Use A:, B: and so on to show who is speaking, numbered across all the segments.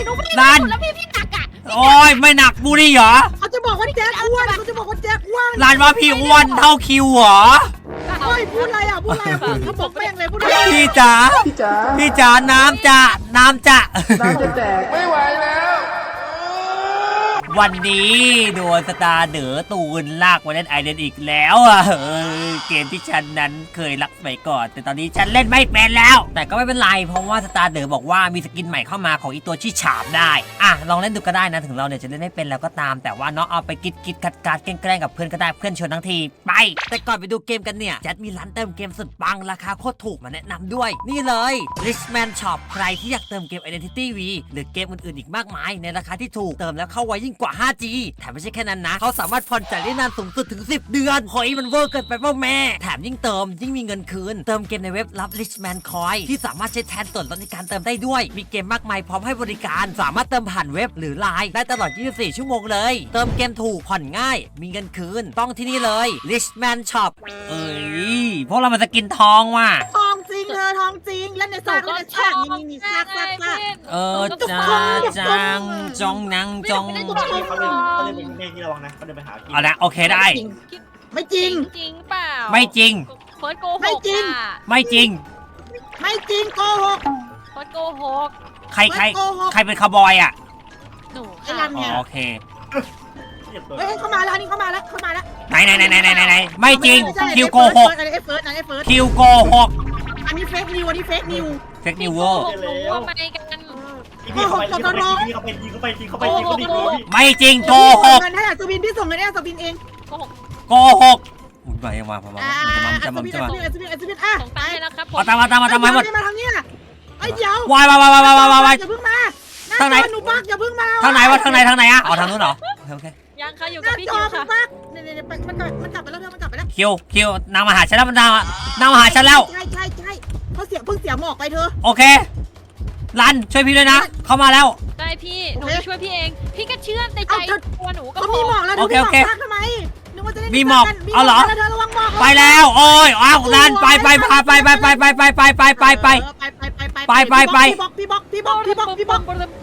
A: รัน
B: แล้วพี่หนักอ่ะ
A: โอ้ยไม่หนักบูรี่เหรอ
C: เขาจะบอกว่าแจ็คอ้วนเขาจะบอกว่าแจ็คอ้วน
A: รันว่าพี่อ้วนเท่าคิวเหรอ
C: เฮ้ยพูดอะไรอ่ะพูดอะไรอ่ะเขาบอกแม่งเลยพูดอะไร
A: พี่จ๋าพี่จ๋าน้ำจะน้ำจะ
D: แตกไม่ไหวแล้ว
A: วันนี้โดนสตาร์เด๋อตูนลากมาเล่นไอเดนอีกแล้วอ่ะเกมที่ฉันนั้นเคยรักไปก่อนแต่ตอนนี้ฉันเล่นไม่เป็นแล้วแต่ก็ไม่เป็นไรเพราะว่าสตาร์เด๋อบอกว่ามีสกินใหม่เข้ามาของอีตัวที่ฉาบได้อ่ะลองเล่นดูก็ได้นะถึงเราเนี่ยจะเล่นไม่เป็นแล้วก็ตามแต่ว่าน้องเอาไปกิดกัดแกล้งกับเพื่อนก็ได้เพื่อนชวนทั้งทีไปแต่ก่อนไปดูเกมกันเนี่ยจัดมีร้านเติมเกมสุดปังราคาโคตรถูกมาแนะนำด้วยนี่เลย Richman Shop ใครที่อยากเติมเกม Identity V หรือเกมอื่นๆอีกมากมายในราคาที่ถูกเติมแล้วเข้าไวยิ่งกว่า 5G แถมไม่ใช่แค่นั้นนะเขาสามารถผ่อนจ่ายได้นานสูงสุดถึง10 เดือนเฮ้ยมันเวอร์เกินไปป่ะแม่แถมยิ่งเติมยิ่งมีเงินคืนเติมเกมในเว็บรับ Richman Coin ที่สามารถใช้แทนส่วนลดในการเติมได้ด้วยมีเกมมากมายพร้อมให้บริการสามารถเติมผ่านเว็บหรือไลน์ได้ตลอด24 ชั่วโมงเลยเติมเกมถูกผ่อนง่ายมีเงินคืนต้องที่นี่เลย Richman Shop เอ้ยพวกเรามาสกินทองว่ะ
C: ทองจริงเธอทองจริงเล่นในซากเล่นในซากนี่ซาก
A: จังจองนังจอง
E: เขาเดินเป็นเมฆที่ระวังนะเขาเดินไปหาพี่
A: เอาละโอเคได้
C: ไม่จริง
B: จริงเปล่า
A: ไม่จริง
B: เฟิร์สโกหก
C: ไม่จริง
A: ไม่จริง
C: ไม่จริงโกหก
B: เฟิร์สโกหก
A: ใครเป็นคาวบอยอ่ะ
B: หนู
C: ไอ้รันเนี่ย
A: โอเค
C: เฮ้ยเข้ามาแล้วนี่เข้ามาแล้ว
A: ไหนไม่จริงคิวโกหก
C: อันนี้เฟิร์สอันนี้เฟิร์ส
A: คิวโกหก
C: อันนี้เฟกนิวอันนี้เฟกนิว
A: เฟกนิวเวอร์
B: หนูว่าไม่กัน
E: พี่เขาไปยิงเขาดี
A: ไม่จริงโกหก
C: เงินให้อัศวินพี่ส่งเงินให้อัศวินเอง
B: โกหก
A: โกหกอุ้ยมายังมาพอมา
C: อัศ
A: จะ
C: วิน
A: มา
C: อ่ะ
B: ส่งตังค์ให้นะครับผม
A: เอาตามมาหมด
C: มาทางนี้ไอ้เดี๋ยว
A: วายอย่าเพิ่งมาทางไหน
C: หนูปักอย่าเพิ่งมา
A: ทางไหนวะทางไหนอ่ะอ๋อทางนู้นเหรอโอเค
B: ยังค่ะอยู่
C: ห
B: กับ
C: น้า
B: พี่
C: จอ
B: คิว
C: มัน
B: ค่ะ
C: ปักเนี่ยมันกลับไปแล้วเธอมันกลับไปแล้ว
A: คิวนางมาหาฉันแล้วนางมาหาฉันแล้ว
C: ใช่เขาเพิ่งเสียหมอกไปเธอ
A: โอเครันช่วยพี่ด้วยนะเข้ามาแล้ว
B: ได้พี่หนูจะช่วยพี่เองพี่ก็เชื่อในใจตัวหนูก็
C: เขา
B: พ
C: มี
B: อ
C: หมอกแล้วเธอมีหมอกปักทำไมนึกว่าจะได้เธอระวังหมอก
A: ไปแล้วโอ้ยอ้าวรันไปพาไป
C: พี่บอก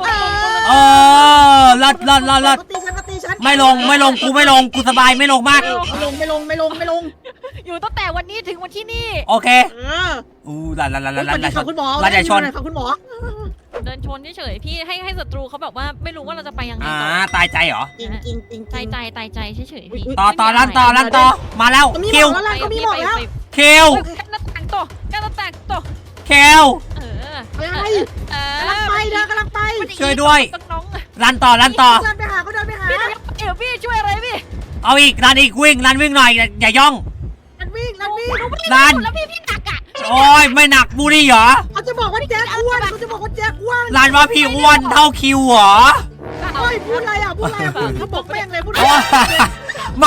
A: ลัด
C: ตีฉัน
A: ไม่ลงกูสบายไม่ลงมาก
C: ไม่ลง
B: อยู่ตั้งแต่วันนี้ถึงวันที่นี่
A: โอเค รัน
C: ขอบคุณหมอ
A: รันอย่าชน
C: ขอบคุณหมอ
B: เดินชนเฉยๆพี่ให้ศัตรูเขาแบบว่าไม่รู้ว่าเราจะไปยังไงต่อ
A: ตายใจเหรอ
C: จริง
B: ตายใจเฉยๆพี่
A: ต่อรันต่อมาแล้วคิว
C: เขามีหมอกแล้ว
A: คิว
B: กันหน้าต่างต่อ
A: คิว
C: อะไรกำลังไป
A: ช่วยด้วย
B: น้อง
A: รันต่อ
C: เดินไปหาเขาเดินไปหา
B: พี่เดี๋ยวพี่ช่วยอะไรพี่
A: เอาอีกรันอีกวิ่งหน่อยอย่าย่อง
C: วิ่ง
A: รัน
B: แล้วพี่หนักอ่ะ
A: โอ้ยไม่หนักบูรี่เหรอ
C: เขาจะบอกว่าแจ็คอ้วน
A: รันว่าพี่อ้วนเท่าคิวเหรอ
C: เฮ้ยพูดอะไรอ่ะเขาบอกแม่งเลยพูด
A: ไม่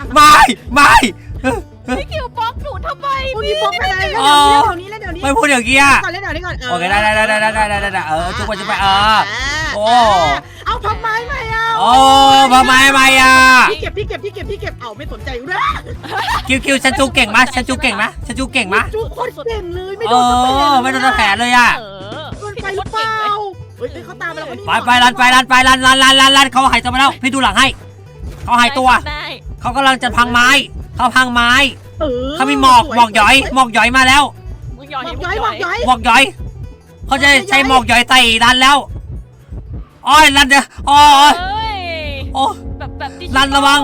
B: พี่คิวบล็อกหนูทำไม
C: พูดที่บอกไปเลยเดี๋ยวนี้
A: ไม่พูดอย่างกี้อ่ะ
C: ก่อนเล่นเดี๋ยวนี้ก่อน
A: โอเคได้จุกไปโอ้
C: เอาพับไม้มาอ่ะ
A: โอ้พม่าไม่อ่ะ
C: พี่เก็บเอาไม่สนใจอยู่ด้วย
A: คิวฉันจูเก่งมะจูโคตร
C: เก่งเลยไม่
A: ไม่โดนแผลเลยอ่ะ
C: โดนไปหรือเปล่าเฮ้ยเขาตามมาแล้ว
A: ไปรันเขาหายตัวมาแล้วพี่ดูหลังให้เขาหายตัวเขากำลังจะพังไม้เขามีหมอกหย่อยมาแล้วหมอกหย่อยเขาจะใช้หมอกหย่อยใส่รันแล้วอ้อยรันเดี๋ยวโอ้
B: แบบ
A: รันระวัง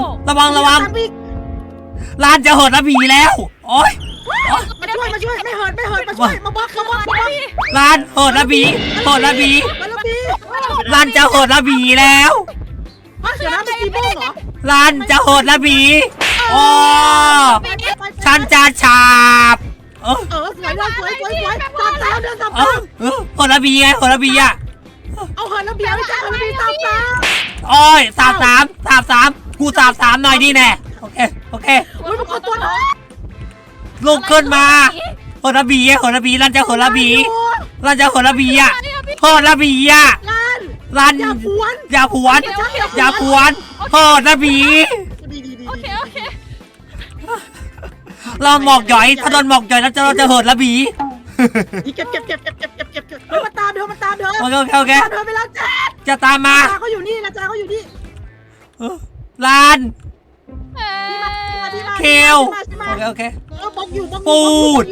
A: รันจะหดระบีแล้วโอ้ย
C: มาช่วยไม่เหินมาช่วยมาบล็อก
A: รันหดระบีรันจะหดระบีแล้ว
C: เดี๋ยวนะเป็นกีโม่เหรอ
A: รันจะหดระบีโอ้ฉันจะฉาบ
C: สวยตามเดินตาม
A: หดระบีไงหดระบีอ่ะ
C: เอาเหินระเบียงไม่ใช่เหินระเบียงตาม
A: โอ้ยสามกูสามหน่อยดิแน่โอเค
C: อุ้ยมันขอตัวหน่อย
A: ลุกขึ้นมาหดระบีรันจะหดระบีอ่ะหดระบีอ่ะรันอย่าผวนหดระบี
B: โอเค
A: เราหมอกหย่อยถ้าโดนหมอกหย่อยแล้วเราจะหดระบี
C: เก็บเฮ้ยมันตามเธอ
A: โอเคโอเค
C: ตามเธอไปแล้วจ้า
A: จะตามมา
C: จ้าเขาอยู่นี่นะจ้าเขาอยู่นี่
A: ลาน
C: ที่มา
A: เคลโอเค
C: บอกอยู่
A: ปูด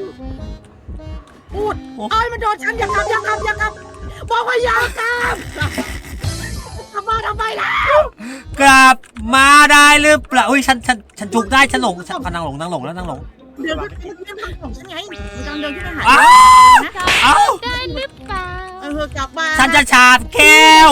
C: เอ้ยมันโดนฉันอย่าขับบอกว่าอย่าขับทำมาทำไมแล้ว
A: กลับมาได้หรือเปล่าอุ้ยฉันจุกได้ฉันหลงฉันนั่งหลงแล้วนั่งหลง
C: เดินทางของฉันไงมันกำลังเดินขึ้นไปหา
A: อ้าว
B: ได้หรือเปล่า
C: กลับมา
A: ฉันจะฉาบเคล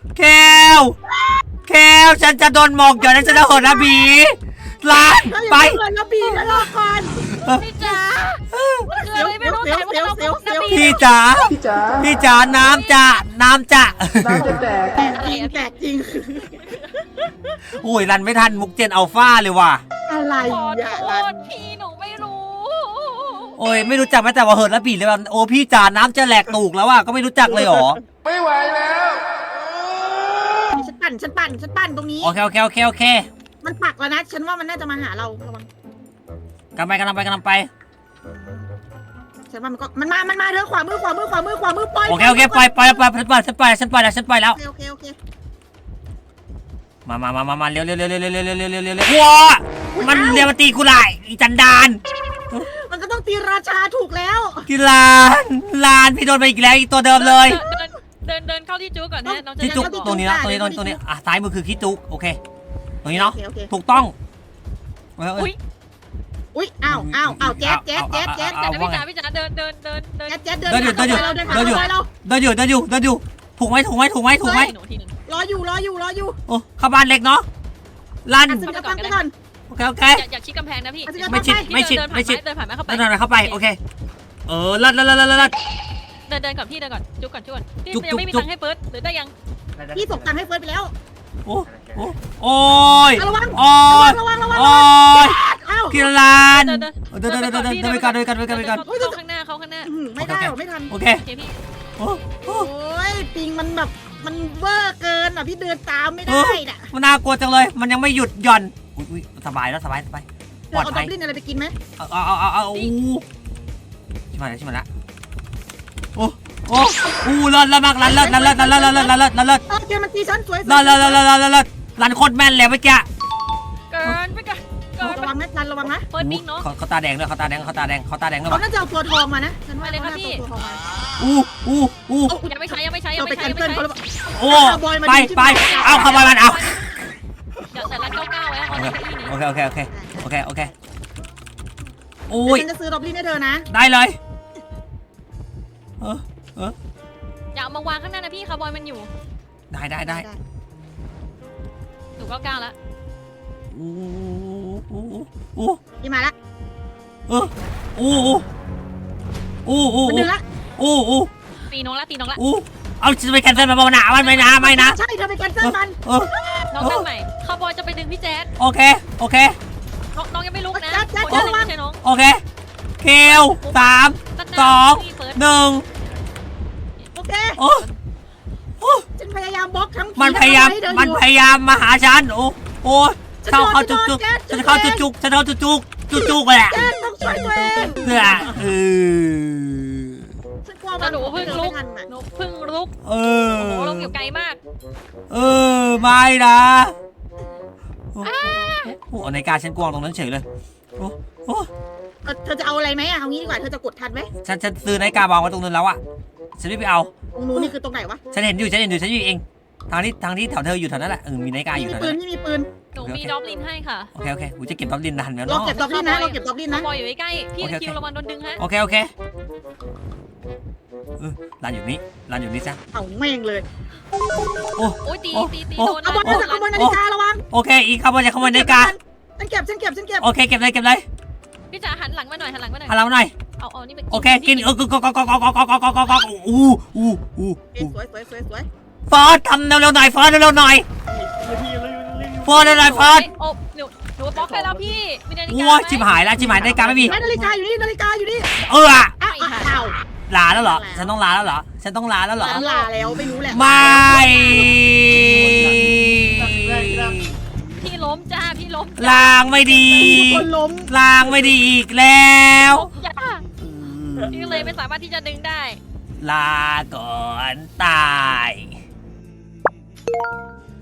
A: ฉันจะโดนหมอกหย่อนแล้วฉันจะโหดนะบีลานไป
C: แล้วปีแล้วรอก่อน
B: พี่จ๋าคืออะไรไม่รู้แต่ว่าเราก็จะมี
A: พี่จ๋า
D: พี่จ๋า
A: น้ำจะ
D: น้ำจะแตก
C: แตกจริง
A: อุ้ยรันไม่ทันมุกเจนอัลฟาเลยว่ะ
C: อะไร
B: ขอ
C: อย่า
B: โท
C: ลัน
B: ษพี่หนูไม่รู้
A: โอ้ยไม่รู้จักแม้แต่ว่าเหินและบีเลยว่าโอ้พี่จ๋าน้ำจะแหลกตูกแล้วว่ะก็ไม่รู้จักเลยหรอ
D: ไม่ไหวแล้ว
C: ฉันปั่นตรงนี้
A: โอเค
C: มันปักแล้วนะฉันว่ามันน่าจะมาหาเราระวัง
A: กำลังไป
C: ฉันว่ามันมาเธอขวามือปล่อย
A: โอเคปล่อยฉันปล่อยแล้ว
C: โอเค
A: มาเร็วว้ามันเรียกมาตีกูไล่อีจันดาน
C: มันก็ต้องตีราชาถูกแล้ว
A: กีลานพี่โดนไปอีกแล้วอีกตัวเดิมเลย
B: เดินเข้าที่จู๊ก่อนนะน้องจะ
A: ขี้จุก
B: ได้
A: ตรงนี้นะตรงนี้อ่ะซ้ายมือคือขี้จุกโอเคตรงนี้เนาะ
C: โอเค
A: ถูกต้อง
C: อุ้ยอ้าวแจ๊ด
B: แต่พี่จ๋าเดิน
C: แจ๊ดเดินผ่านเรา
A: อยู่ถูกไหม
B: หนูทีหนึ่ง
C: รออยู่
A: โอ้เข้าบ้านเล็กเนาะลั่น
C: อัศวินฟังไปก่อน
A: โอเค
B: อยากชิดกำแพงนะพี่
A: ไม่ชิด
B: เดินผ่านไหมเข้าไป
A: เดินเข้าไปโอเคลั่น
B: เดินก่อนพี่เดินก่อนจุ๊ก่อนพี่ยังไม่มีตังค์ให้เฟิร์สหรือได้ยัง
C: พี่ส่งตังค์ให้เฟิร์สไปแล้ว
A: โอ้ย
C: ระวัง
A: โอ้ย
C: อ้าว
A: กีฬานเดินไปกัน
B: เข้าข้างหน้า
C: ไม่ได้ไม่ทัน
A: โอเค
B: โอเคพี่
A: โอ้
C: โอ้ยปิงมันแบบมันเวอร์เกินอ่ะพี่เดินตามไม่ได้น่ะ
A: มันน่ากลัวจังเลยมันยังไม่หยุดหย่อนอุ้ยสบายแล้วสบาย
C: เธ
A: ปล
C: อ
A: อด
C: เอา
A: ภั
C: ดั
A: ย
C: บลินอะไรไปกินไหม
A: เอาชิมาแล้วโอ้เลิศมากเลิศ
C: โอเคมันตีฉันสวย
A: เลิศรันโคตรแม่นเลยเมื่อกี้
B: เกินไปกัน
C: ระวังนะระวังนะ
B: เฟิร์สบิ๊กเนาะ
A: เขาตาแดงด้วยเขาตาแดงด้วย
C: เขาน่าจะเอาตัวทองมานะฉันว่าตัวทองมา
B: ยังไม่ใช้
C: เราไปแคนเซิลเขาแล้ว
A: โอ้ไปเอาขบอยมันเอา
B: เดี๋ยวแต่ละ99ไว้เอาที่นี้
A: โอเคโอ้ย
C: ฉันจะซื้อดับลินให้เธอนะ
A: ได้เลย
B: อย่าเอามาวางข้างหน้านะพี่คาร์บอยมันอยู่
A: ได้
B: หนู99แล้ว
C: พี่มาละ
A: มัน
C: ดึงละ
B: ตีน้องละ
A: เอาจะไปแคนเซิลมาบ้านะไม่นะ
C: ใช่เธอไปแคนเซิลมัน
B: น้องตั้งใหม่คาร์บอยจะไปดึงพี่แจ๊ด
A: โอเค
B: น้องยังไม่ลุกนะไม่ใช่น้อง
A: โอเคเคล3 2 1
C: โอเค
A: โอ้
C: ฉันพยายามบล็อกทั้ง
A: มันพยายามมาหาฉันโอ้เข้าจุกฉันเข้าจุกแหละ
C: แจ๊ดต้องช่วยตัวเอง
A: เพื่อ
C: ฉันกลัวมัน
B: หนูเพิ่งลุก
A: โอ้โห
B: ลงอยู่ไกลมาก
A: ไม่นะโอ้ในการฉันกวางตรงนั้นเฉยเลยโอ้
C: เธอจะเอาอะไรไหมอ่ะเอางี้ดีกว่าเธอจะกดทันไหม
A: ฉันซื้อนาฬิกาวางไว้ตรงนั้นแล้วอะฉันไม่ไปเอา
C: ตรงนู้นนี่คือตรงไหนวะ
A: ฉันเห็นอยู่เองทางที่แถวเธออยู่แถวนั้นแหละมีนาฬิกาอยู่แถวนั้น
C: มีปืน
B: หนูมีดอปลินให้ค่ะ
A: โอเคกูจะเก็บดับลินนานแล้ว
C: เรา
A: เนาะ
C: เก็บดับลินนะเราเก็บดับลินนะ
B: บอยอยู่ใกล้พี่คิวระวังโดนดึงฮะ
A: โอเคร้านอยู่นี่ซะ
C: เอาแม่งเลย
B: โอ้ยตีโดน
C: เอาบอลนาฬิการะวัง
A: โอเคอีกขโมยนาฬิกา
C: ฉันเก็บ
A: โอเคเก็บเลย
B: พี่จ๋าหันหลังมาหน่อย
A: หันเราหน่อย
B: เอานี่ไป
A: โอเคกินก็สวยฟอสทำเร็วๆหน่อยฟอสเร็วๆหน่อยฟอสเร็วๆฟอส
B: โอ้หนูบล็อกไปแล้วพี่มีนาฬิกา
A: โอ้ยชิบหายนาฬิกาไม่มี
C: นาฬิกาอยู่นี่
A: อ้าว
C: ลา
A: ลาแล้วเหรอฉันต้องลาแล้วเหรอ
C: ลาแล้วไม่รู้แหละ
A: ไม่
B: พี่ล้มจ้าพี่ล้ม
A: ลางไม่ดี
C: คนล้ม
A: ลางไม่ดีอีกแล้ว
B: พี่เลยไม่สามารถที่จะดึงได้
A: ลาก่อนตาย